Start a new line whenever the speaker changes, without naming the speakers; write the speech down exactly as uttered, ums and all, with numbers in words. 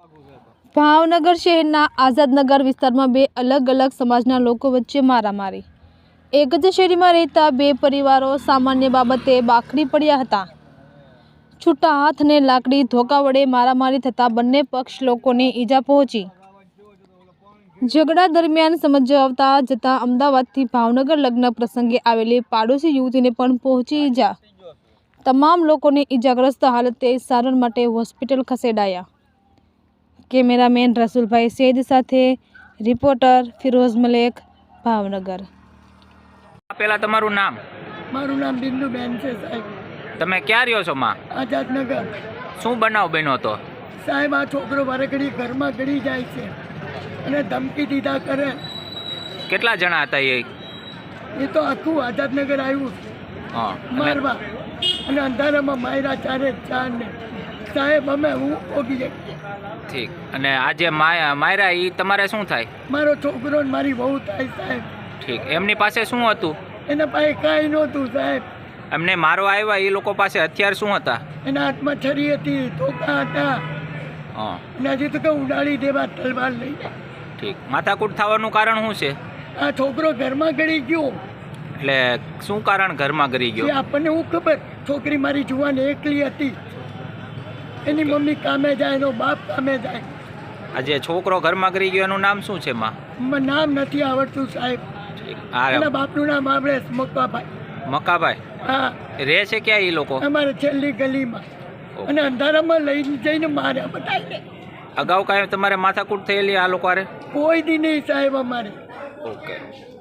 ભાવનગર શહેરના આઝાદનગર વિસ્તારમાં બે અલગ અલગ સમાજના લોકો વચ્ચે મારામારી। એક જ શેરીમાં રહેતા બે પરિવારો સામાન્ય બાબતે બાખડી પડ્યા હતા। છૂટા હાથ અને લાકડી ધોકા વડે મારામારી થતાં બંને પક્ષ લોકોને ઈજા પહોંચી। ઝઘડા દરમિયાન સમજાવતા જતાં અમદાવાદથી ભાવનગર લગ્ન પ્રસંગે આવેલી પાડોશી યુવતીને પણ પહોંચી ઈજા। તમામ લોકોને ઈજાગ્રસ્ત હાલતે સારવાર માટે હોસ્પિટલ ખસેડાયા। કેમેરામેન રસુલભાઈ સૈદ સાથે રિપોર્ટર ફિરોઝ મલેક, ભાવનગર।
પેલા તમારું નામ?
મારું નામ બિંદુબેન છે સાહેબ।
તમે ક્યાં રહ્યો છો માં?
આઝાદનગર।
શું બનાવ બન્યો હતો
સાહેબ? આ છોકરો વારે ઘરમાં ગળી જાય છે અને ધમકી દીધા કરે।
કેટલા જણા હતા એ?
એ તો આખું આઝાદનગર આવ્યું
હા
મારવા અને અંધારામાં માર્યા ચારે ચાર ને સાહેબ અમે હું ઓગી જઈએ।
ઠીક। અને આજે માર્યા એ તમારે શું થાય?
મારો છોકરો ને મારી બહુ થાય સાહેબ।
ઠીક। એમની પાસે શું હતું?
એના પાસે કાંઈ નહોતું સાહેબ।
એમને મારો આવ્યા એ લોકો પાસે હથિયાર શું હતા?
એના હાથમાં છરી હતી, ધોકા હતા
હા
અને હજી તો કે ઉડાડી દેવા તલવાર લઈ।
ઠીક। માથાકૂટ થવાનું કારણ શું છે?
આ છોકરો ઘરમાં ગળી ગયો।
એટલે શું કારણ ઘરમાં ગળી ગયો?
એ આપણને હું ખબર? છોકરી મારી જુવાન એકલી હતી, એની મમ્મી કામે જાય, એનો બાપ કામે જાય।
આજે છોકરો ઘરમાં ગળી ગયો એનું નામ શું છે માં?
નામ નથી આવડતું સાહેબ। એના બાપનું નામ આપણે મક્કાભાઈ।
મક્કાભાઈ?
હા।
રહે છે ક્યાં એ લોકો?
અમારે છેલ્લી ગલીમાં અને અંધારામાં લઈને જઈને માર્યા બધાને।
અગાઉ કાંઈ તમારે માથાકૂટ થયેલી આ લોકો?
કોઈ દી નહીં સાહેબ અમારે।
ઓકે।